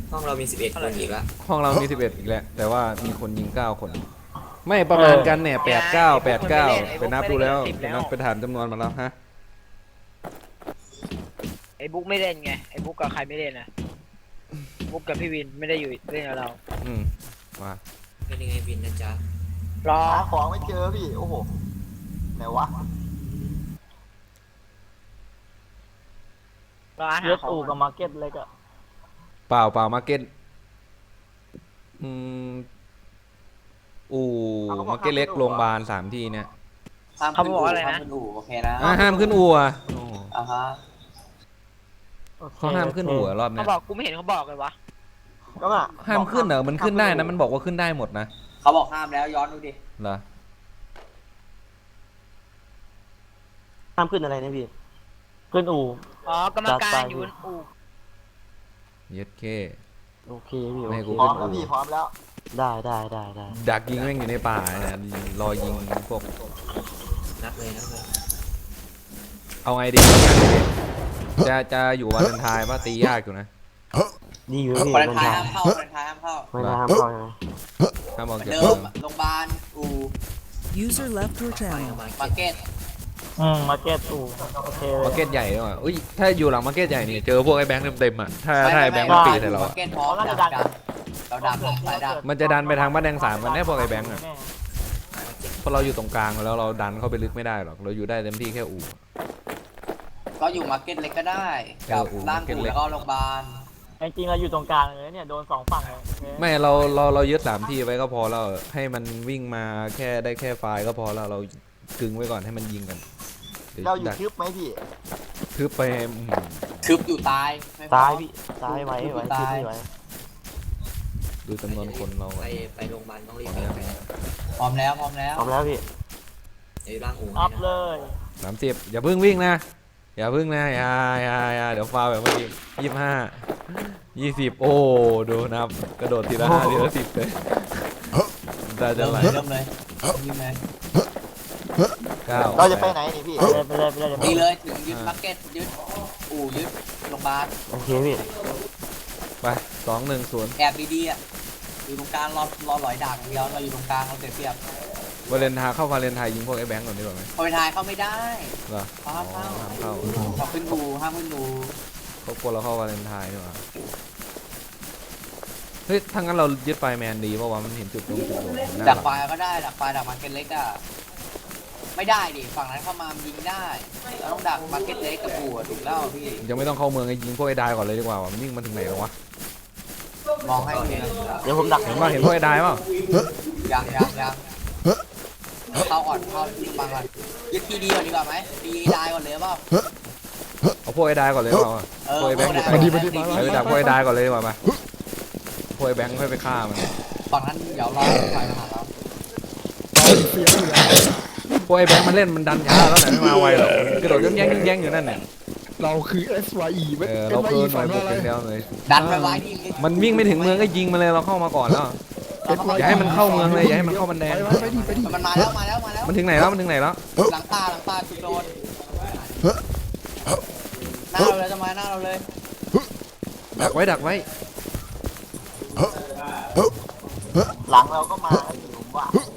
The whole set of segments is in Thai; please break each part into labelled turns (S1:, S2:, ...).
S1: ห้องเรามี11คนอีกละ
S2: ห้องเรามี11อีกแล้วแต่ว่ามีคนยิง9คนไม่ประมาณกันเนี่ย8 9 8 9ไปนับดูแล้วไปนับไปถามจำนวนมาแล้วฮะ
S3: ไอ้บุ๊กไม่เล่นไงไอ้บุ๊กกับใครไม่เล่นนะบุ๊กกับพี่วินไม่ได้อยู่เล่นกับเรา
S2: มา
S1: เป็นยังไงบินนะจ๊ะ
S3: รอ
S4: หาของไม่เจอพี่โอ้โหไหนวะ
S3: รออาหา
S5: เย
S3: ร
S5: ส
S3: ของ
S5: อูกับมาร์เก็ตเล็กอะ
S2: เปล่ามาร์เก็ตอู่มาร์เก็ตเล็กโรงพยาบาล3ที่เนี่ย
S3: เขาบอกอะไรนะ
S1: โอเคนะ
S2: ห้ามขึ้นอู่อ่ะ
S1: ฮะ
S2: เขาห้ามขึ้นอู่รอบนี้
S3: เขาบอกกูไม่เห็นเขาบอกเลยวะ
S4: ก็ว่า
S2: ห้ามขึ้นเหรอมันขึ้นได้นะมันบอกว่าขึ้นได้หมดนะ
S1: เขาบอกห้ามแล้วย้อนดูดิ
S2: เหรอ
S5: ห้ามขึ้นอะไรนะพี่ขึ้นอู่
S3: อ๋อกรรมการอยู่อู่
S2: เย็ดเค
S5: โอเคพี่โอ
S2: ไม่
S5: เค
S2: กู
S4: พร้อมแล้วพี่พร้อมแล้ว
S5: ได้
S2: ดักยิงแม่งอยู่ในป่าเนี่ยรอยิงพวก
S1: นับเลย
S2: เอาไงดีจะอยู่วาเลนไทน์ป่ะตียากอยู่นะ
S5: ดีอยู่พี่
S1: วันไทยห้ามเข้าวันไทยห้ามเข้า
S5: ไม่ได้ห้ามเข้าใช่ไหม
S2: ห้ามออกจาก
S1: เดิมโรงพยาบาลอู่
S6: User left your channel
S1: มาร์เก็ต
S5: มาร์เก็ตอู่โอเค
S2: มาร์เก็ตใหญ่ด้วยอุ้ยถ้าอยู่หลังมาร์เก็ตใหญ่นี่เจอพวกไอ้แบงค์เต็มๆอ่ะถ้าไอ้แบงค์มันปีใส่เรา
S1: มาร์เก็ตพร้อมดักเราดักสายดัก
S2: มันจะดันไปทางบ้านแดง3กันแน่พวกไอ้แบงค์อ่ะเพราะเราอยู่ตรงกลางแล้วเราดันเข้าไปลึกไม่ได้หรอกเราอยู่ได้เต็มที่แค่อู่
S1: ก็อยู่มาร์เก็ตเล็กก็ได้กับล่างอู่แล้วก็โรงพยาบาล
S5: จริงเราอยู่ตรงกลางเลยเนี่ยโดน2ฝั่งเลย
S2: ไม่เรายึด3ที่ไว้ก็พอแล้วให้มันวิ่งมาแค่ได้แค่ไฟล์ก็พอแล้วเรากึงไว้ก่อนให้มันยิงกัน
S4: เราอยู่ทึบไหมพี่
S2: ทึบไป
S1: ทึบอยู่ตาย
S5: พี่ตายไว้ทึบไม่ไว้
S2: ดูจำนวนคนเรา
S1: ไปโรงพยาบาลต้องรีบพ
S5: ร้อมแล้วพี่
S1: เดี๋ยวร่างอู่
S5: อัพเลย
S2: 30อย่าเพิ่งวิ่งนะอย่าเดี๋ยวฟาวแบบเมื่อกี้25 20โอ้ดูนับกระโดดทีละ5ทีละ10เลยได้จะไหล
S1: เริ่มเลยยิงเลย
S4: เราจะไปไหนนี่พี่
S5: ไปเลย
S1: ดีเลยถึงยึดมาร์เก็ตยึดอู่ยึดโรงพยาบาล
S5: โอเคพี่
S2: ไป2-1-0
S1: แอบดีๆอ่ะอยู่ตรงกลางรอหลอยด่างเดียวเราอยู่ตรงกลางเราเสียเปรียบ
S2: วาเลนไทน์เข้าวาเลนไทน์ยิงพวกไอ้แบงก์ก่อนดีกว่าไหม
S1: วาเลนไทน์เข้าไม่ได้
S2: เหรอ
S1: ห้ามเข้าขึ้นดูห้ามขึ้นดู
S2: เขากลัวเราเข้าวาเลนไทน์ดีกว่าเฮ้ยถ้างั้นเรายึดไฟแมนดีเพราะว่ามันเห็นจุดโดน
S1: ดักไฟก็ได้ดักไฟดักมาร์เก็ตเล็กอ่ะไม่ได้ดิฝั่งนั้นเข้ามายิงได้เราต้องดักมาร์เก็ตเล็กกับอู่ถูกแล้วพี่
S2: ยังไม่ต้องเข้าเมืองไอ้ยิงพวกไอ้ได้ก่อนเลยดีกว่ามันวิ่งมาถึงไหนแล้ววะ
S1: มองให้
S5: เดี๋ยวผมดัก
S2: เห็นพวกไอ้ได้เปล่า
S1: ยังเข้าก่อนเข้าที่บังก่อนยึดทีดีก่อนดีกว่าไหมทีได้ก่อนเลยเปล่า
S2: เอาพวกไอ้ได้ก่อนเลยเปล่าพวกไอ้แบงค์มาดีไปดักพวกไอ้ได้ก่อนเลยดีกว่ามาพวกไอ้แบงค์ค่อยไปฆ่ามัน
S1: ฝั่งนั้นเดี๋ยวรอไฟมาหาเรา
S2: พวกไอ้แบงค์มันเล่นมันดันช้าแล้วไหนไม่มาไวหรอกกระโดดย่องแย่งอยู่นั่นเนี่ย
S6: เราคือ SYE
S2: เราเพิ่มหน่อยบุกเดียวเลย
S1: ดันไปไว้ดิ
S2: มันวิ่งไม่ถึงเมืองก็ยิงมาเลยเราเข้ามาก่อนแล้วอย่าให้มันเข้าเมืองเลยอย่าให้มันเข้าบันแดง
S1: มันมาแล้ว
S2: มันถึงไหนแล้ว
S1: หลังตาคุณโดนหน้าเราเลยจะมาหน้าเราเลย
S2: ดักไว้
S4: หลังเราก็มาผม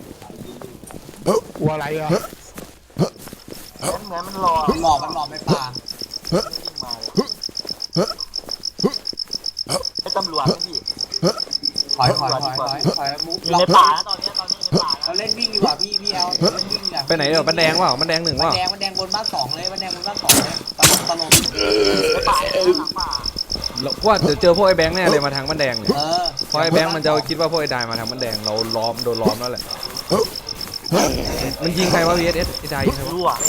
S4: ว่า
S6: อะไรอ่ะ
S4: เหมือนมันรอ
S1: มันหลอกไม่ป่า
S4: ไอ้ตำรวจพี่
S1: ถอยมุก
S5: อยู่ในป่าแล้วตอนนี้ในป่า
S1: เราเล่นวิ่งดีกว่าพี่เอลเล่นวิ่ง
S2: ไปไหนเดี๋ยวบันแดงว่าบันแดง1ว่า
S1: บันแดงบนบ้าน2เลยบันแดงบนบ้าน2เลยตลก
S4: ในป่าหลังป่า
S2: ว่าเดี๋ยวเจอพวกไอ้แบงค์แน่เลยมาทางบันแดงเนี่ยเพราะไอ้แบงค์มันจะคิดว่าพวกไอ้ได้มาทางบันแดงเราโดนล้อมแล้วแหละมันยิงใครวะ VSS ไอ้ได้ยิงใครวะ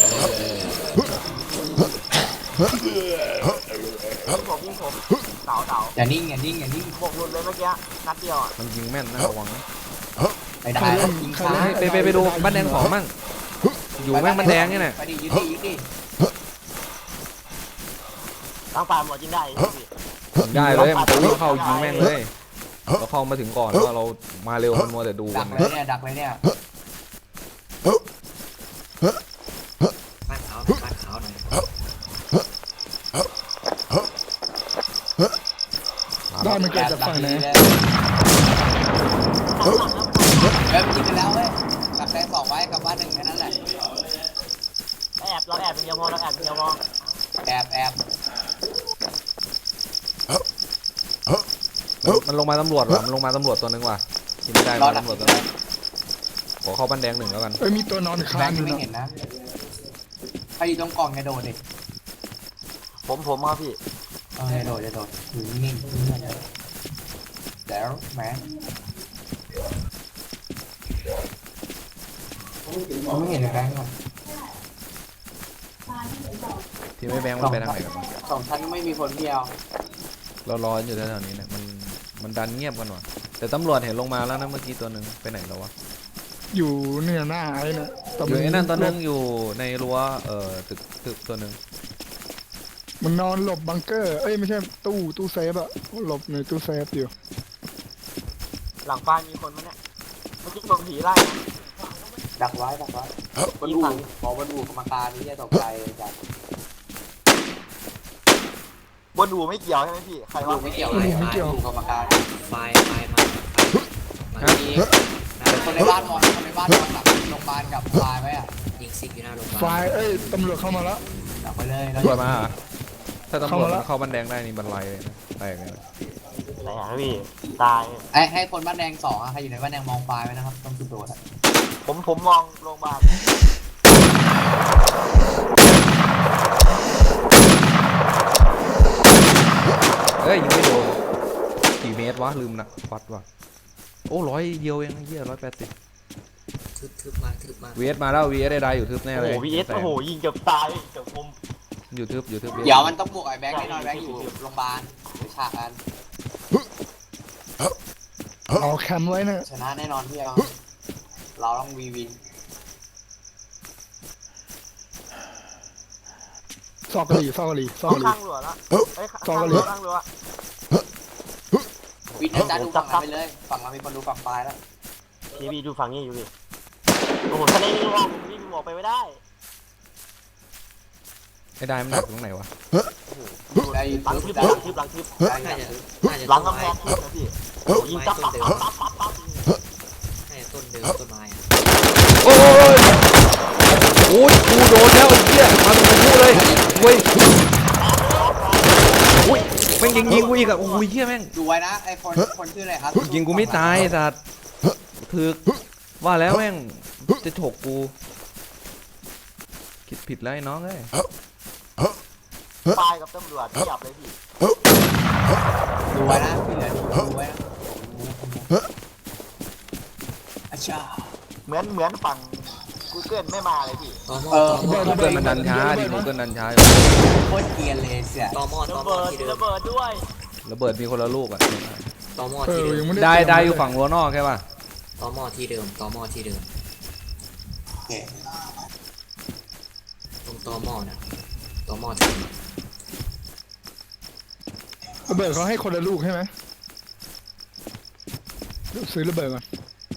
S4: ผมเต่า
S1: อย่านิ่ง
S4: บกหลุดเลยเมื่อกี้นัดเดียวอ่ะ
S2: มันยิงแม่นนะระวัง
S1: ไปได้ยิงช้า
S2: ไปดูบ้านแดง2มั่งอยู่แม่งบ้านแดงนี่แหละ
S1: ไปดิยึดดิ
S4: ตั้งป่าหมดยิงได้
S2: ได้เลยมันจะวิ่งเข้ายิงแม่งเลยเราเข้ามาถึงก่อนว่าเรามาเร็วมันมัวแต่ดู
S1: ดักเลยเนี่ยบ้านขาวหน่อย
S6: มันเกิดจากฝั่งไหน
S1: เลยมันยิงกันแล้วเว้ยกับแดงสองไว้กับบ้านหนึ่งแค่นั้นแหละ
S4: เราแอบเป็นเดียวพอเราแอบเป็นเดียวพอ
S1: แอบ
S2: มันลงมาตำรวจว่ะมันลงมาตำรวจตัวนึงว่ะกินไม่ได้
S1: รอ
S2: มา
S1: ดัก
S2: ตำรวจตัวนึงขอเข้าบ้านแดงหนึ่งแล้วกัน
S6: เอ้ยมีตัวนอน
S1: แบ
S6: ค้าง
S1: ง
S6: อ
S1: ค์
S6: ยู่
S1: ไม่
S6: นะ
S1: เห็นนะใครอยู่ตรงกล่องจะโดดดิ
S4: ผมครับพี่
S1: จะโดดอยู่นิ่งๆเดี๋ยวแหมผมไม่เห็นแบงค์ก่อน
S2: ที่ไม่แบงค์มันไปทางไหนกันวะ
S1: สองชั้นไม่มีคนเดียว
S2: เรารออยู่แถวๆนี้เนี่ยมันดันเงียบกันว่ะแต่ตำรวจเห็นลงมาแล้วนะเมื่อกี้ตัวหนึ่งไปไหนแล้ววะ
S6: อยู่เนี่ยหน้าไอ้น่ะแต่
S2: อยู่ไอ้นั่นตัวหนึงอยู่ในรั้วตึกตัวหนึ่ง
S6: มันนอนหลบบังเกอร์เอ้ยไม่ใช่ตู้เซฟอะหลบในตู้เซฟอยู่
S4: หลังบ้านมีคนมั้ยเนี่ยเมื่อกี้โดนผีไล่
S1: ดักไว้บนอู่บอกบนอู่กรรมการนี่จะตกใจจัด
S4: บนดูไม่เกี่ยวใช่ไหมพี่ใคร
S1: อู่
S4: ว่า
S1: ไม่เกี่ยวเลยอู่กรรมการ
S7: ไฟมา
S1: มีคนในบ้านนอนหลับโรงพยาบาลกับไฟไว้อะ
S7: ยิงซิกอยู่หน้าโรงพยา
S6: ไฟ
S7: บาล
S6: เอ้ยตำรวจเข้ามาแล้ว
S1: ดักไปเลย
S2: ตำรวจมาเหรอถ้าตำรวจ
S6: เข้ามาแล้ว
S2: มันเข้าบ้านแดงได้นี่บันไลเลยนะแตกเลยนะ
S4: ไหนอ่ะพี่ตาย
S1: ให้คนบ้านแดงสองใครอยู่ในบ้านแดงมองไฟไว้นะครับต้องจุดโดด
S4: ผมมองโรงพยาบาล
S2: เอ้ยยิงไม่โดนกี่เมตรวะลืมนะวัดว่ะโอ้100เดียวเองไอ้เหี้ย180
S7: ทึบมา
S2: VS มาแล้ว VS ได้อยู่ทึบแน่
S4: โอ้
S2: เล
S4: โห
S2: ย
S4: วีเอสโอ้โหยิงเกือบตายเกือบคม
S2: อยู่ทึบ
S1: เดี๋ยวมันต้องบวกไอ้แบงค์แน่นอนแบงค์อยู่โรงพยาบาลหรือฉากกัน
S6: เอาแคมไว้นะ
S1: ชนะแน่นอนพี่เราต้องวิน
S6: ซอกกะหรี่
S4: ข้างรั้วละเอ้ยข้างรั้ว
S1: วินนะจ๊ะดูฝั่งเราไปเลยฝั่งเรามีคนดูฝั่งไฟแล้ว
S4: พี่ดูฝั่งนี้อยู่ดิโอ้โหทะเลนี่ว่าพี่ดูออกไปไม่ได้
S2: ไอ้ได้มันหนักตรงไหนวะ
S1: ได้ยิน
S4: หลัง
S1: ทึ
S4: ทึ
S1: บบ ได้
S4: หลังทึบ
S7: น่าจะ
S4: หลังกำแพงทึบนะพี่ยิงจับปั๊บ
S7: น่าจะต้นเดิมต้นไม้
S2: โอ้ยโอ้ยกูโดนแล้วไอ้เหี้ยมาตรงกูเลยเว้ยอุ้ยแม่งยิงกูอีกอะโอ้ยเหี้ยแม่ง
S1: ดูไว้นะไอ้คนชื่ออะไรครับ
S2: ยิงกูไม่ตายไอ้สัตว์ถึกว่าแล้วแม่งจะฉกกูคิดผิดแล้วไอ้น้องเอ้ย
S4: ตายกับตำรวจจับเลยพี่
S1: ดูไว้นะที่เหลือดูไว้นะอาชา
S4: เหมือนฝั่งกูเกิลไม่มาเลยพี่
S7: ตอมอ
S2: กูเกิลมันดันช้าดิกูเกิลดันช้า
S1: โคตรเกรียนเลยเสีย
S7: ตอมอ
S4: ระเบิด
S7: ที่เดิ
S4: ระ
S7: ม
S4: เบิดด้วย
S2: ระเบิดมีคนละลูกอะ
S7: ตอมอ
S6: เอ
S7: ที่
S6: อ
S7: เดิ
S6: ยั
S7: ม
S6: งไม่
S2: ได้
S6: ได้
S2: อยู่ฝั่งรั้วนอกใช่ป่ะ
S7: ตอมอที่เดิมตอมอที่เดิม
S1: โอเค
S7: ตรงตอมอน่ะตอมอที่เดิม
S6: ระเบิดเขาให้คนละลูกใช่ไหมเดี๋ยวซื้อระเบิดก่อน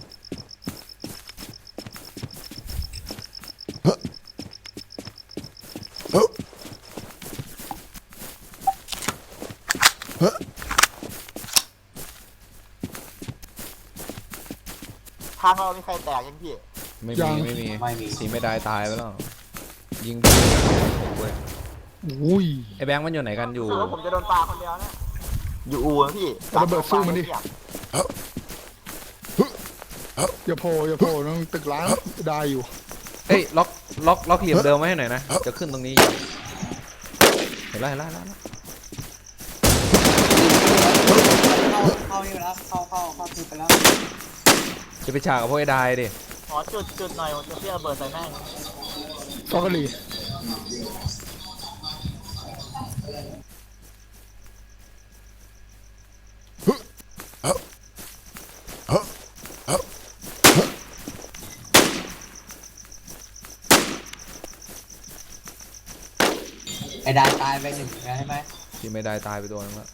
S4: ทางเรามีใครแตกยังพี่
S2: ไม่
S6: ยั
S2: มี
S6: ง
S2: ไม่มี
S1: ไม่มี
S2: ทีไม่ได้ตายไปแล้วยิงเว้ย
S6: อุ้ย
S2: ไอ้แบงค์มันอยู่ไหนกันอยู่
S4: คือว่าผมจะโดนปลาคนเดียวเนี่ยอยู่อู่นะพี่
S6: ระเบิดสู้มันดิ อย่าโผล่ต้องตึกล้างได้อยู่
S2: เอ้ยล็อกเหลี่ยมเดิมไว้ให้หน่อยนะจะขึ้นตรงนี้เห็นแล้ว
S1: เข้านี่ไปแล้วเข้าทึบไปแล้ว
S2: จะไปฉากกับพวกไอ้ได้ดิ
S4: ขอจุดหน่อยผมจะเสียระเบิดใส่แม่ง
S6: ซอกกะหรี่
S1: ไอ้ดาตายไปหนึ่งแล้วใช่ไหม
S2: ที่ไม่ได้ตายไปตัวนึงแล้ว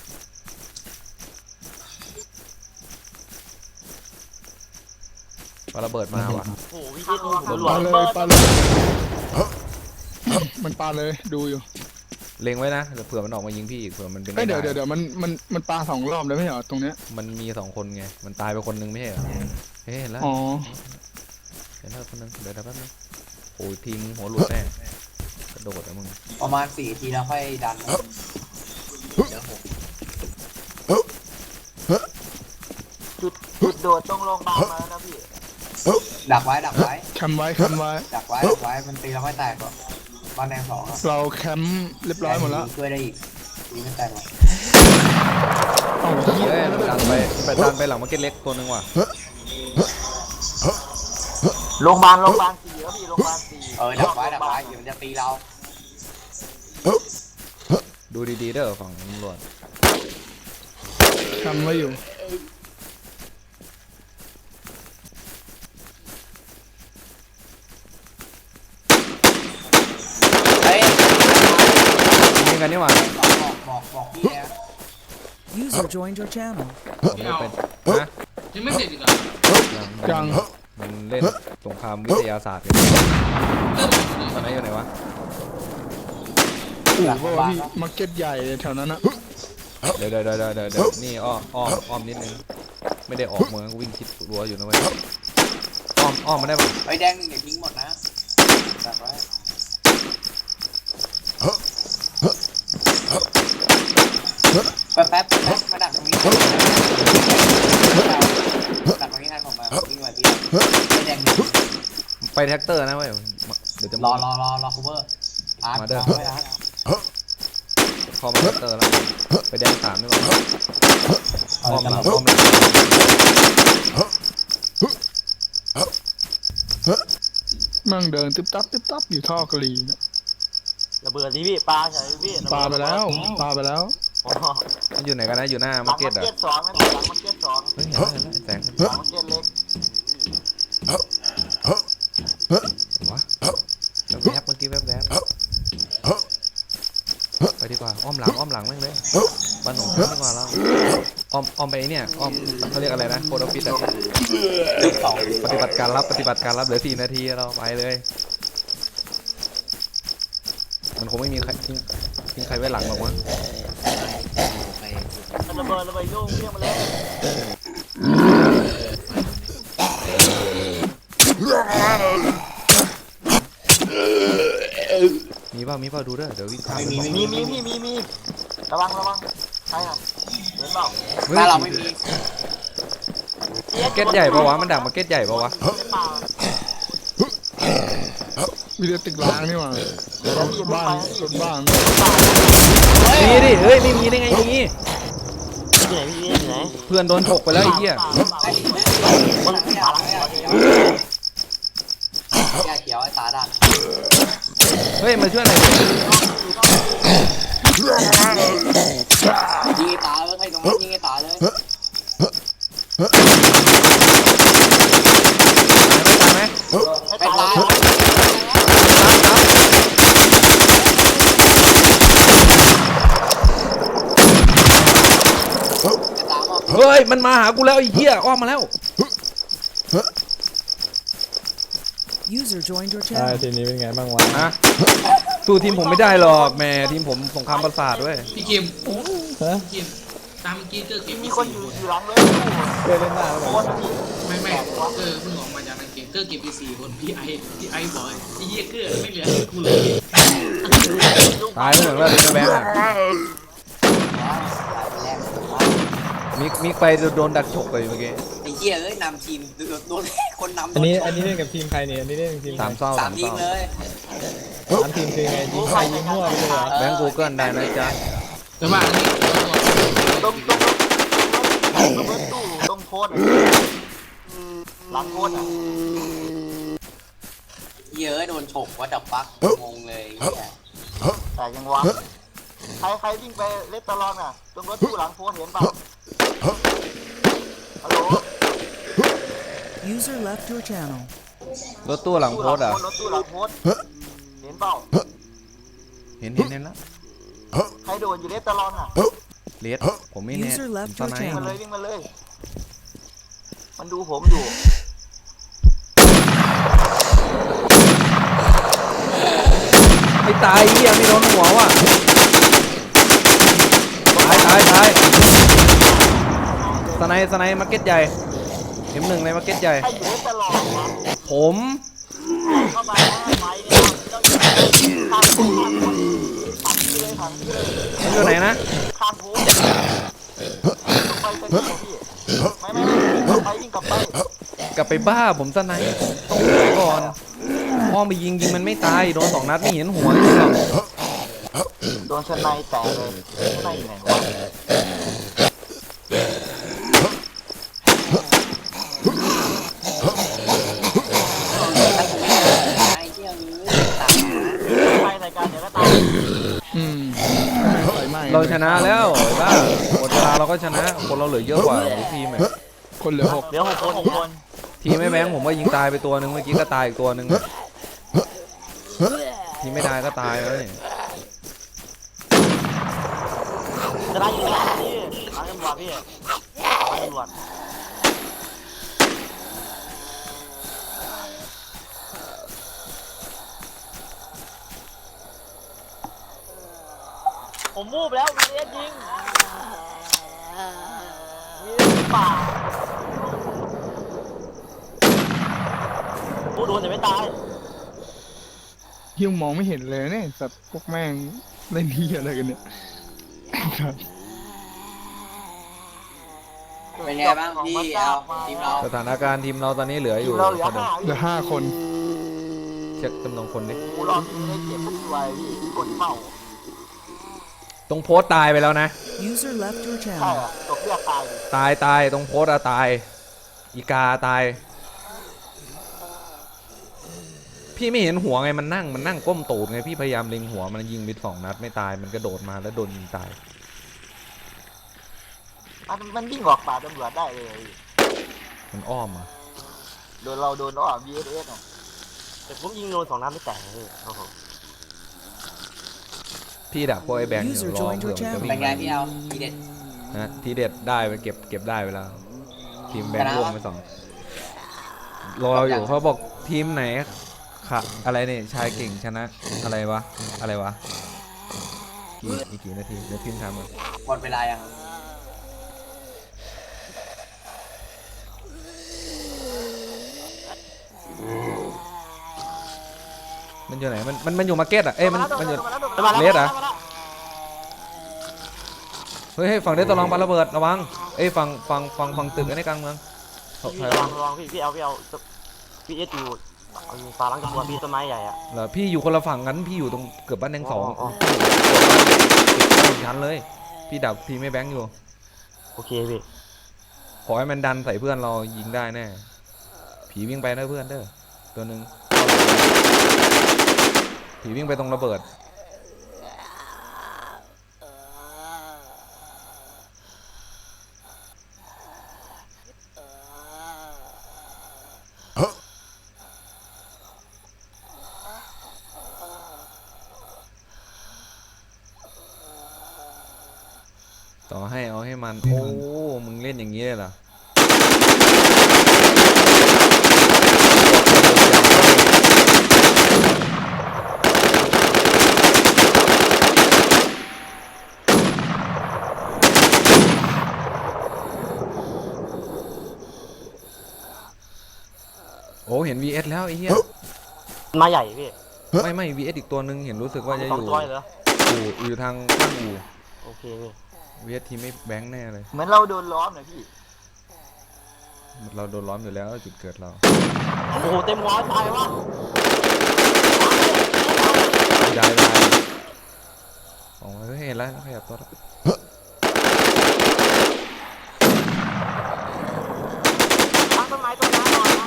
S2: ปาระเบิดมาว่ะ
S4: โอ้โหพี่เจดูผมหลว
S6: ปาง เลย
S4: เบิด
S6: ปาเลย มันปาเลยดูอยู่
S2: เล็งไว้นะเดี๋ยวเผื่อมันออกมายิงพี่อีกเผื่อมันเป็น
S6: เอ้ยเดี๋ยว
S2: ได้
S6: เดี๋ยวมันปา2 รอบเลยไม่ใช่เหรอตรงเนี้ย
S2: มันมี2 คนไงมันตายไปคนนึงไม่ใช่เหรอเฮ้ยเห็นแล้ว
S6: อ๋อ
S2: เห็นแล้วคนนึงเดี๋ยวแป๊บนึงโอ้ยทีมหัวหลุดแน่กระโดดอะมึง
S1: ประมาณ4 ทีแล้วค่อยดันนะ
S7: เดี๋ยว6
S4: จุดโดดตรงโรงพยาบาลมาแล้วนะพี่
S1: ดักไว้ดักไว้
S6: แคมป์ไว้แคมป์ไว้
S1: ดักไว้มันตีเราไม่แตกหรอกบ้านแดง2อะ
S6: เราแคมป์เรียบร้อยหมดแล้ว
S1: ช่วยได้อีกตีไม่แตกหรอก
S6: เอ้าเหี้ย
S2: เฮ้ยมันดันไปหลังมาร์เก็ตเล็กตัวนึงว่ะ
S4: โรงพยาบาล4แล้วพี่โรงพยาบาล4
S1: ดักไว้เดี๋ยวมันจะตีเรา
S2: ดูดีๆเด้อฝั่งตำรวจ
S6: แคมป์ไว้อยู่
S1: เฮ้ย
S2: ยิงกันนี่หว่า
S1: บอกพี่นะ
S8: User joined your channel.
S2: ผมไม่เป็นนะ
S9: ยังไม่เสร็จอีกเหรอ
S6: ยัง
S2: มันเล่นสงครามวิทยาศาสตร์กันตอนนี้อยู่ไหนวะ
S6: อู่เพราะว่าพี่มาร์เก็ตใหญ่แถวนั้นนะ
S2: เดี๋ยวนี่อ้อมนิดนึงไม่ได้ออกเมืองวิ่งชิดรั้วอยู่นะเว้ยอ้อมมาได้ปะ
S1: ไอ้แดง1เดี๋ยวทิ้งหมดนะดักไว้แป๊บมาดักตรงนี้ดักตรงนี้ทันผมมาวิ่งมาพี่ไอ้แดง1
S2: ไปแท็กเตอร์นะเว้ยเดี๋ยวจะ
S1: รอคูเวอร์อาร์ตรอไว้อาร์ต
S2: พอมาแท็กเตอร์แล้วไปแดง3ดีกว่าอ้อมหลัง
S6: มั่งเดินตึ๊บตับอยู่ท่อกะหรี่นะ
S4: ระเบิดดิพี่ปลาใช่พี่
S6: ปาไปแล้ว
S4: อ๋อ
S2: มันอยู่ไหนกันนะอยู่หน้า
S4: หลั
S2: มาง ร์เก็ต
S4: มา
S2: อ่ะ
S4: ร์เก็ต2นะพี่หลังมาร์เก็ต2
S2: เฮ้ยเห็นแล้วแสง
S4: หลังมาร์เก็ตเล็ก
S2: วะแวบเมื่อกี้แวบไปดีกว่าอ้อมหลังแม่งเลยบ้านหนองดีกว่าเราอ้อมไปเนี่ยอ้อมเขาเรียกอะไรนะโคดอฟฟิศปฏิบัติการรับเหลือ4 นาทีเราไปเลยมันคงไม่มีใครทิ้งใครไว้หลังหรอกวะ
S7: ไป
S4: ระเบิดโยงเพี้ยงมาเลย
S2: มีเปล่าดูเด้อเดี๋ยววิ่งข้าม
S4: มีระวังใช่ครับเห็นเปล่า
S1: ถ้าเราไม่มี
S2: มาร์เก็ตใหญ่ปะวะมันดักมาร์เก็ตใหญ่ปะวะ
S4: ไม่เปล่า
S6: มีแต่ตึกร้างนี่หว่ารถบ้าน
S2: มีดิเฮ้ยไม่มีได้ไงมี
S4: ที่ไหนพี่ที่ไหน
S2: เพื่อนโดนฉกไปแล้วไอ้เหี้ย
S4: มันปลา
S1: แก้เขียวไอ้ตาดัก
S2: เฮ้ยมาช่วยหน่อย
S1: ยิงไอ้ตาเลยใครตรงนั้นยิงไอ้ตาเลย
S2: ตายไหม
S1: ไปตาย
S2: เฮ้ยมันมาหากูแล้วไอ้เหี้ยอ้อมมาแล้ว
S8: User joined your channel.
S5: ทีนี้เป็นไงบ้างวะ
S2: ฮะสู้ทีมผมไม่ได้หรอกแม่ทีมผมสงครามประสาทด้วย
S9: พี่คิมพี่คิมตามเมื่อกี้เจอเก็บ
S4: มี
S9: มี
S4: คน
S9: 4
S4: อยู่
S9: คน
S4: หลังเลย
S5: เคยเล่นหน้าแล้ว
S4: คน
S9: ไม่เกอร์เพิ่งออกมาจากในเกมเกอร์เก็บไป4 คนพี่ไอบอกไอ้เหี้ยเกอร์ไม่เหลือกูเลย
S2: ตายไปหมดแล้วแบงค์อะมิกไปโดนดักฉกไปเมื่อกี้
S1: ไอ้เหี้ยเอ้ยนำทีมโดนคนนำ
S5: อันนี้เล่นกับทีมใครเนี่ยอันนี้เล่นกับทีม
S2: สามเศร้า
S1: 3 ทีมเลย
S5: 3 ทีมคือไงยิงใครยิงมั่วไปเลยเหรอ
S2: แบงค์กูเกิลได้นะจ๊ะ
S9: แต่ว่าอันนี้
S4: ตรงตู้ตรงโพสหลังโพสอ่ะ
S1: เหี้ยเอ้ยโดนฉกว่าดับปักงงเลยไอ้เหี้ย
S4: แต่ยังวะใครวิ่งไปเล็ดตลอดอ่ะตรงรถตู้หลังโพสเห็นเปล่าฮัลโหล
S8: User left your channel.
S2: รถตู้หลังโพสต์อ่ะ
S4: รถตู้หลังโพสเห็นเปล่า
S2: เห็นแล้ว
S4: ใครโดนอยู่เล็ดตลอดอ่ะ
S2: เลสผมไม่แน่
S8: User left
S2: ตอน
S8: your
S2: ไหน
S4: วิ่งมาเลย
S8: channel.
S4: วิ่งมาเลย มันดูผมอยู่
S2: ไม่ตายเหี้ยไม่โดนหัวว่ะตายสไนมาร์เก็ตใหญ่M1ในมาร์เก็ตใหญ่
S4: ให้อยู่ตลอดนะ
S2: ผม
S4: เข้ามาแล้วไฟเนี่ยต้องอยู่ข้างที่เลยถังที่เลย
S2: มันอยู่ไหนนะ
S4: ข้างโพสไปเป็นพี่ไม่วิ่งกลับไป
S2: กลับไปบ้าผมสไนต้องหนีก่อนอ้อมไปยิงมันไม่ตายโดน2 นัดไม่เห็นหัวเลยหรอก
S4: โดนชนในแตกเลยชนในอยู่ไหนวะ
S1: ไอ้เหี้ยตายนะ
S4: ไปรายการเดี๋ยวก็ตาย
S6: อืมไฟไหม้
S2: เราชนะแล้วไอ้บ้าหมดเวลาเราก็ชนะคนเราเหลือเยอะกว่าทีมอะ
S6: คนเหลือ
S4: เดี๋ยว6 คน
S2: ทีมไม่แบงค์ผมก็ยิงตายไปตัวหนึ่งเมื่อกี้ก็ตายอีกตัวหนึ่งทีมไม่ได้ก็ตายแล้วนี่
S4: จะได้อยู่แล้วพี่ร้านตำรวจพี่ร้านตำรวจผมมูฟแล้ววีเอสยิงป่าผู้โดนแต่ไม่ตาย
S6: ยิ่งมองไม่เห็นเลยเนี่ยสัตว์พวกแม่งเล่นที่อะไรกันเนี่ยครับ
S1: เป็นไงบ้างพี่เอาทีมเรา
S2: สถานการณ์ทีมเราตอนนี้เหลืออยู่
S4: เราเหลือ
S2: เท่าเดิม
S6: เหลือ5 คน
S2: เช็คจำนวนคนดิ
S4: กูรอพี่ได้เก็บทุกไว้พี่กดเป้า
S2: ตรงโพสต์ตายไปแล้วนะ
S8: User left your
S4: ใช่
S8: channel.
S4: อะตกเลือดตายดิ
S2: ตายตรงโพสต์อะตายอีกาตายพี่ไม่เห็นหัวไงมันนั่งก้มตูดไงพี่พยายามเล็งหัวมันยิงไป2 นัดไม่ตายมันกระโดดมาแล้วโดนยิงตาย
S4: มันวิ่งออกป่าตำรวจได้เลย
S2: มันอ้อมอ่ะ
S4: โดนเราโดนอ้อ VSS อ่ะ
S5: แต่ผมยิงโดน2 นัดไม่แตกเลยโอ้โห
S2: พี่ดักพวกไอ้แบงค์อยู่
S8: User
S2: รอ
S8: joined
S2: เผื่อ
S8: your
S2: มันจะวิ่
S1: เป็น
S2: ง
S1: ไง
S2: มา
S1: พี่เอาทีเด็ด
S2: นะทีเด็ดได้ไปเก็บได้ไปแล้วทีมแบงค์ร่วงไป2รออยู่เขาบอกทีมไหนค่ะอะไรเนี่ยชายเก่งชนะอะไรวะอีกกี่นาทีเดี๋ยวพิมพ์ถามก่อน
S1: หมดเวลายัง
S2: มันอยู่ไหนมันอยู่มาร์เก็ตอ่ะเอ้ยมันอยู่ เลสเหรอ เฮ้ยฝั่งเดตตะลองปาระเบิดระวังเอ้ยฝั่งตึกอันนี้กลางเมืองถอย
S5: พี่ระวังพี่เอาพี่เอสอยู่ฝาหลังตำรวจพี่ต้นไม้ใหญ่อะ
S2: เหรอพี่อยู่คนละฝั่งกันพี่อยู่ตรงเกือบบ้านแดง2
S5: อ๋อ
S2: ติดชั้นเลยพี่ดักทีมไม่แบงค์อยู่
S5: โอเคพี่
S2: ขอให้มันดันใส่เพื่อนเรายิงได้แน่ผีวิ่งไปนะเพื่อนเด้อตัวหนึ่งผีวิ่งไปตรงระเบิดต่อให้เอาให้มันโอ้มึงเล่นอย่างนี้เลยเหรอโอ้เห็น VS แล้วไอ้เหี้ย
S5: ต้นไม้ใหญ่พี่
S2: ไม่ VS อีกตัวนึงเห็นรู้สึกว่าจะอ
S5: 2
S2: ยู่
S5: ตัวเหรอ
S2: อยู่ทางข้างอู่
S5: โอเคพี่
S2: VS ทีมไม่แบงค์แน่เลย
S4: เหมือนเราโดนล้อมเลยพี่
S2: เราโดนล้อมอยู่แล้วจุดเกิดเรา
S5: โอ้โหเต็มหัวตายวะ
S2: ได้อ๋อเห็นแล้วขยับตัวแล้ว
S5: ตั้งต้นไม้หน่อยนะ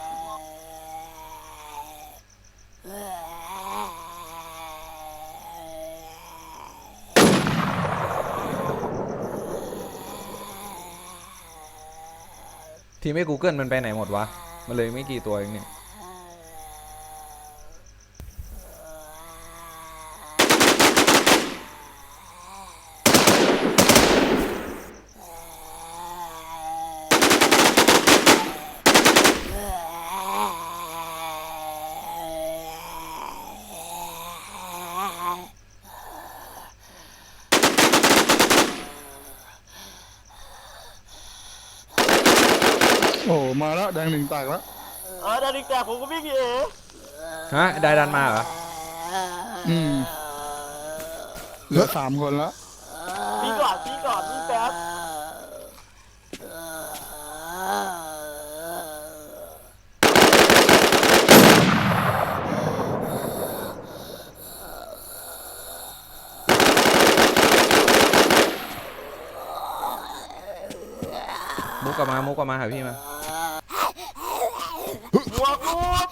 S2: ทีมไม่ Google มันไปไหนหมดวะมันเลยไม่กี่ตัวเองเนี่ย
S6: โอ้มาแล้วแดงหนึ่งแตกแล้ว
S5: ดาริกแต่ผมก็วิ่งเอ๋
S2: ฮะได้ดันมาเหรอ
S6: เหลือ3 คนแล้ว
S5: พี่ก่อนพี่แป๊บ
S2: มุกกลับมาหาพี่มา
S5: บวกลูก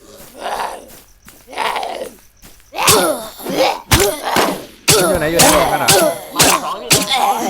S2: อยู่ไหนห้องกันอ่ะ
S5: มาสองพี่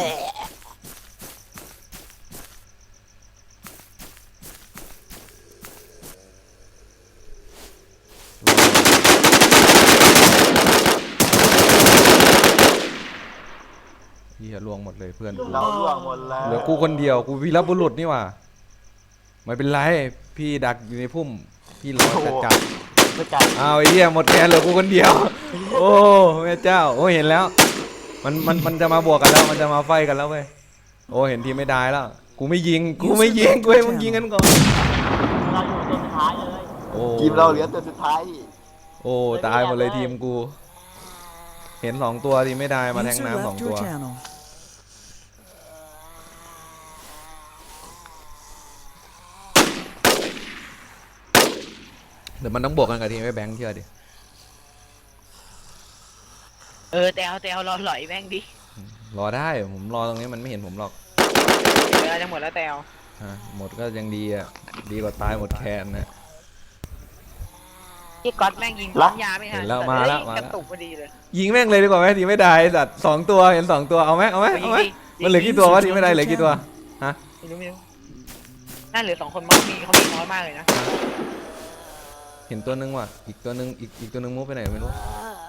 S2: เหี้ยลวงหมดเลยเพื่อน
S5: เราล่วงหมดแล้ว
S2: เหลือกูคนเดียวกูวีรบุรุษนี่หว่าไม่เป็นไรพี่ดักอยู่ในพุ่มพี่รอจัด
S5: ไม่จัด
S2: เอาไอ้เหี้ยหมดแกนเหลือกูคนเดียว โอ้แม่เจ้าโอ้เห็นแล้วมันจะมาบวกกันแล้วมันจะมาไฟกันแล้วเว้ยโอ้เห็นทีไม่ได้แล้วกูไม่ยิงกูให้มึงยิงกันก่อน
S5: เราอยู่ตัวสุดท้ายเลย
S2: โอ้
S5: ทีมเราเหลือตัวสุดท้าย
S2: โอ้ตายหมดเลยทีมกู เห็น2 ตัวทีไม่ได้มาแทง
S8: User
S2: น้ำ
S8: left
S2: 2 ตั
S8: your
S2: ว
S8: channel.
S2: เดี๋ยวมันต้องบวกกันกับทีมไอ้แบงค์เชื่อดิ
S3: แต่เอารอหลอยแม่งดิ
S2: รอได้ผมรอตรงนี้มันไม่เห็นผมหรอก
S3: เวลาจะหมดแล้วแต่เอา
S2: หมดก็ยังดีอ่ะดีกว่าตายหมดแคนนะ
S3: ที่ก๊อตแม่งยิงปั๊มยาไม่ทัน
S2: เห็นแล้วมาแล้ว
S3: กระตุกพอดีเลย
S2: ยิงแม่งเลยดีกว่าไหมทีไม่ได้สัตว์2 ตัวเห็น2 ตัวเอาไหมมันเหลือกี่ตัววะทีไม่ได้เหลือกี่ตัวฮะ
S3: ไม่รู้น่าเหลือ2 คนมั้งเขามีน้อยมากเลยนะ
S2: เห็นตัวนึงว่ะอีกตัวนึงอีกตัวนึงมุดไปไหนไม่รู้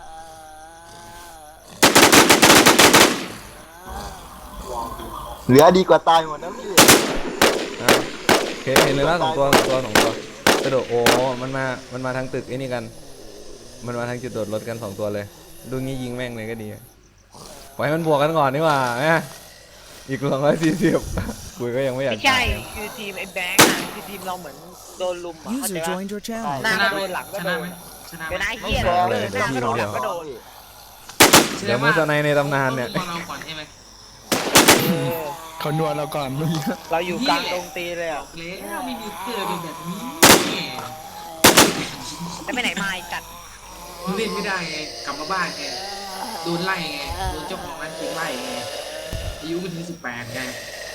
S5: เหลือดีกว่าตายหมดนะพี่
S2: เห็นเลยละ2 ตัวกระโดดโอ้มันมาทางตึกไอ้นี่กันมันมาทางจุดโดดรถกัน2 ตัวเลยดูงี้ยิงแม่งเลยก็ดีปล่อยให้มันบวกกันก่อนดีกว่าอีก240กูก็ยังไม่อยาก
S3: ไม่ใช่คือทีมไอ้แบงค์อะคือทีมเราเหมือนโดนลุมอ่ะเข้าใจ
S8: User
S3: ปะ
S8: joined your channel.
S3: หน้าก็โดนหลังก็
S9: ช
S3: โด
S9: นะ
S3: น
S9: ไหมชนะไหม
S3: เป็นไอ้เหี้ยเลยหน้าก็โดนหลังก็โดน
S2: เดี๋ยวมือสไนในตำนานเนี่ย
S9: พวกเราก่อนใช่ไหม
S6: เขานวลเราก่อนเมื่อกี้
S3: เราอยู่กลางตรงตีเลยอ่ะ
S9: แล้วไม่มีเกิดเป็นแบบนี้
S3: แล้วไปไหนมาไอ้จัด
S9: มึงเล่นไม่ได้ไงกลับมาบ้านไงโดนไล่ไงโดนเจ้าของร้านเกมไล่ไงอายุไม่ถึง18ไง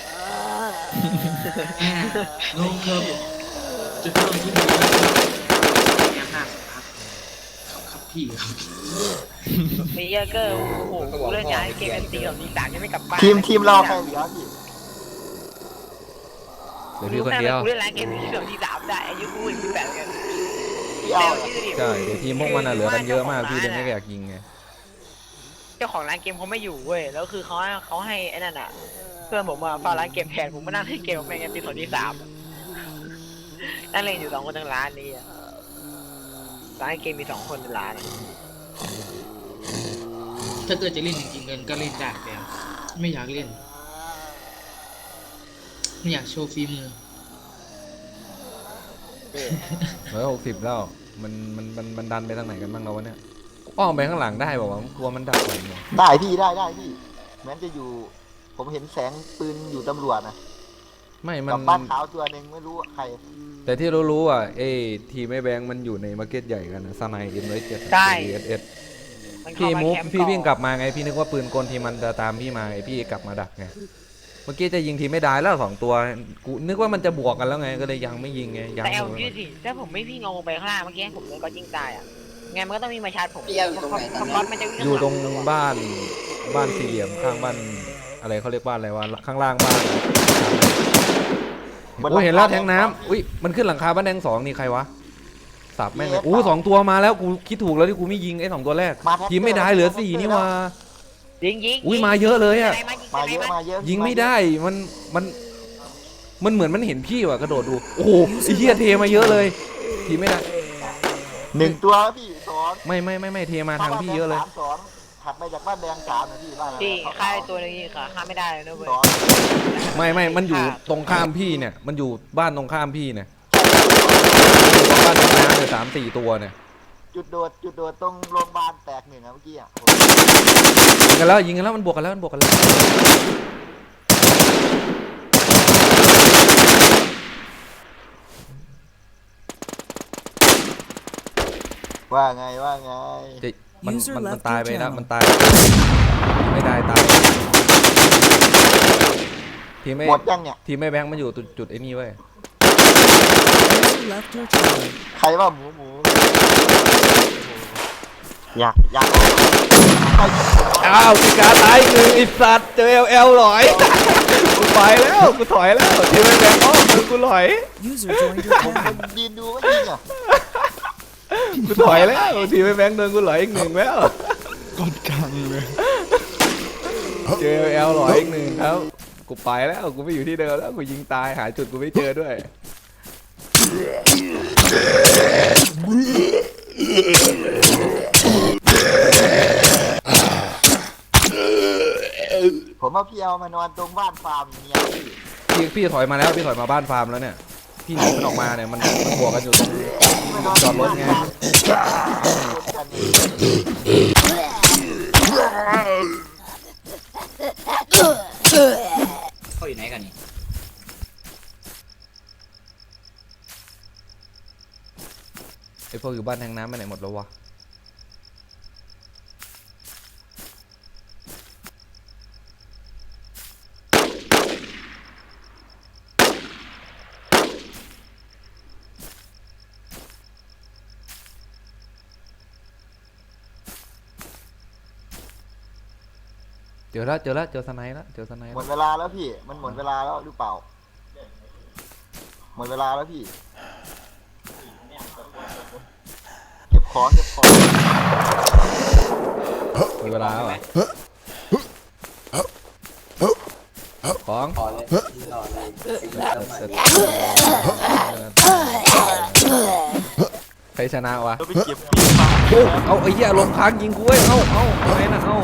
S9: ลงเคิร์ฟจุดเริ่มที่ดีแง่5 สัปดาห์ครับพี่ครับ
S3: ไอ้เหี้ยก็โอ้โหกูเล่นย้ายเกมเป็นตีของทีสามยังไม่กลับบ้าน
S5: ทีมเราใครเหลือพี่
S2: เดี๋ยวพี่คนเดียว
S3: กูเล่นร้านเกมที่ของทีสามได้อายุกู28กัน
S5: พี่เอา
S2: ใช่เดี๋ยวทีมพวกมันเหลือกันเยอะมากพี่เลยไม่อยากยิงไง
S3: เจ้าของร้านเกมเขาไม่อยู่เว้ยแล้วคือเขาให้ไอ้นั่นอ่ะเพื่อนผมมาเฝ้าร้านเกมแทนผมมานั่งเล่นเกมกับแม่งกันตีของทีสามนั่งเล่นอยู่2 คนทั้งร้านนี้อะร้านเกมมี2 คนในร้านอะ
S9: ถ้าเกิดจะเล่นจริงๆเงินก็เล่นได้แล้วไม่อยากเล่นไม่อยากโชว์ฝีมือ
S2: 160แล้วมันดันไปทางไหนกันบ้างเราวะเนี่ยอ้อมไปข้างหลังได้บอกว่ากลัวมันดักอะไรเนี่ย
S5: ได้พี่ได้พี่แม้จะอยู่ผมเห็นแสงปืนอยู่ตำรวจนะ
S2: ไม่มัน
S5: กับบ้านขาวตัวหนึ่งไม่รู้ใคร
S2: แต่ที่รู้อ่ะทีมไอ้แบงค์มันอยู่ในมาร์เก็ตใหญ่กันนะสไนเอ็นไว้7
S3: ใช่
S2: เอส
S3: มันเข้า
S2: พี่
S3: มา
S2: มูฟ
S3: แคป์
S2: พี่วิ่งก
S3: ก่อน
S2: ลับมาไงพี่นึกว่าปืนกลทีมันจะตามพี่มาไงพี่กลับมาดักไงเมื่อกี้จะยิงทีไม่ได้แล้ว2 ตัวกูนึกว่ามันจะบวกกันแล้วไงก็เลยยังไม่ยิงไงยัง
S3: แต่เอายืดสิถ้าผมไม่วิ่งลงไปข้างล่างเมื่อกี้ผมเลยก็ยิงตายอ่ะไงมันก็ต้องมีมาชาร์จผม
S1: พี่เอาอยู่ตรงไหนตอนนี้
S3: ก๊อตมันจะวิ่ง
S2: อยู่ตรง
S3: ข้าหลั
S2: บ้านสี่เหลี่ยมข้างบ้านอะไรเขาเรียกบ้านอะไรวะข้างล่างบ้านโอ้เห็นแล้วแทงน้ำอุ้ยมันขึ้นหลังคาบ้านแดง2นี่ใครวะสับแม่งเลย2 ตัวมาแล้วกูคิดถูกแล้วที่กูไม่ยิงไอ้2 ตัวแรกทีมไม่ได้เหลือ4นี่วะ
S3: ยิง
S2: อุ้ยมาเยอะเลยอ่ะ
S5: มาเยอะมาเยอะ
S2: ยิงไม่ได้มันเหมือนมันเห็นพี่ว่ะกระโดดดูโอ้โหไอ้เหี้ยเทมาเยอะเลยทีไม่ได้
S5: 1 ตัวพี่2
S2: ไม่เทมาทางพี่เยอะเลย
S5: 3-2
S4: ถัดไปจากบ้านแดง3นะพี่บ้านอะไร
S3: พี่ฆ่าไอ้ตัวนี้ค่ะฆ่าไม่ได้เลยนะเว้ย
S2: ไม่มันอยู่ตรงข้ามพี่เนี่ยมันอยู่บ้านตรงข้ามพี่เนี่ยบ้านตรงน้ำเนี่ย3-4 ตัวเนี่ย
S4: จุดโดดตรงโรงพยาบาลแตก1นะเมื่อกี้อ่ะ
S2: ยิงกันแล้วมันบวกกันแล้ว
S4: ว่าไง
S2: มันตายไปแล้วมันตายไม่ได้ตายทีมไม่
S4: หมดยังเนี่ย
S2: ทีมไม่แบงค์มันอยู่จุดไอ้นี่เว้ย
S8: User left your channel.
S4: ใครว่าหมูอยากใคร
S2: อ้าวพิการตายอีกหนึ่งไอ้สัตว์เจอLL หลอยกูไปแล้วกูถอยแล้วทีมไม่แบงค์อ้อมกูหลอย
S8: User joined your
S4: ผม
S8: channel.
S4: ยืนดูว่ายิงอ่ะ
S2: กูถอยแล้วทีมไม่แบงค์โดนกูหลอยอีกหนึ่งแล้ว
S6: กดกลางเลย
S2: เจอLL หลอยอีกหนึ่งครับกูไปแล้วกูไม่อยู่ที่เดิมแล้วกูยิงตายหาจุดกูไม่เจอด้วย
S4: ผมว่าพี่เอามานอนตรงบ้านฟาร์มอย่างเงี้ย
S2: พี่ถอยมาแล้วพี่ถอยมาบ้านฟาร์มแล้วเนี่ยพี่หนีมันออกมาเนี่ยมันบวกกันอยู่ตรงจอดรถไง
S7: เขาอยู่ไหนกันนี่
S2: ไอพวกอยู่บ้านแทงน้ำไปไหนหมดแล้ววะเจอแล้วเจอสไนแล้ว
S4: หมดเวลาแล้วพี่มันหมดเวลาแล้วหรือเปล่าหมดเวลาแล้วพี่เก็บของ
S2: มีเวลาเหรอของ
S1: ขอเลยต่อเลย
S2: ใครชนะวะ
S5: เราไปเก็บ
S2: เอาไอ้เหี้ยลมค้างยิงกูเว้ยเอาอะไรนะเอา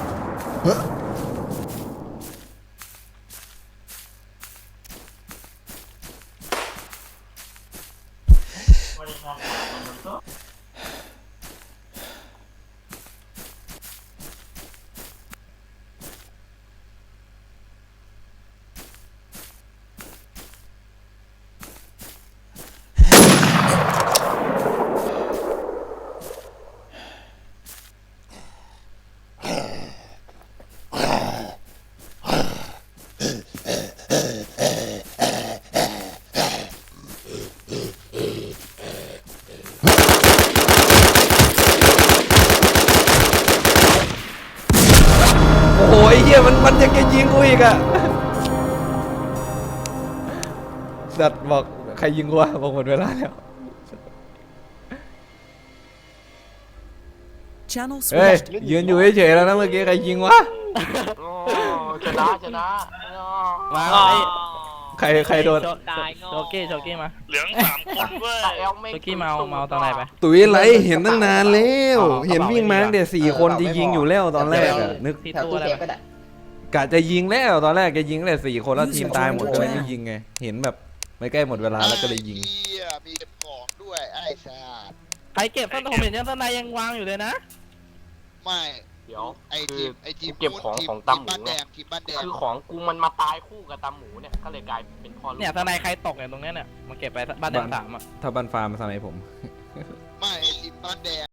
S2: โอ้ยเหี้ยมันยังจะยิงกูอีกอะสัตว์บอกใครยิงกูวะบอกหมดเวลาแล้ว
S8: Channel
S2: เฮ้ย
S8: switched.
S2: ยืนอยู่เฉยๆแล้วนะเมื่อกี้ใครยิงวะ
S5: ชนะมา
S2: ใครโดน
S3: โชเก้มา
S10: เหลือง3 คนเว้ย
S3: โชเก้เมาตอนไหนไป
S2: ตุ๋ยไรเห็นตั้งนานแล้วเห็นวิ่งมาตั้งแต่4 คนจะยิงอยู่แล้วตอนแรกอะนึก
S3: ที่
S1: แถว
S3: ตู้
S1: ตู้
S3: อะไร
S1: เซฟก็ได้
S2: กะจะยิงแล้วตอนแรกแกยิงตั้งแต่4 คนแล้วทีมตายหมดก็เลยไม่ยิงไงเห็นแบบไม่ใกล้หมดเวลาแล้วก็เลยยิง
S10: มีเก็บของด้วยไอ้สัส
S3: ใครเก็บต้นผมเห็นยังต้นในยังวางอยู่เลยนะ
S10: ไม่
S5: เดี๋ยว
S10: ไอ้ทีม
S5: เก็บของของตำหมู
S10: บ้านแด
S5: เนี่ย
S10: งทีมบ้านแดง
S5: คือของกูมันมาตายคู่กับตำหมูเนี่ยก็เลยกลายเป็นพ่อลูก
S3: เนี่ยต้นในใครตกเนี่ยตรงเนี้ยเนี่ยมาเก็บไปบ้านแดง3อ่ะ
S2: ถ้าบันฟาร์มสมัยผม
S10: ไม่ไอ้ทีมบ้านแดง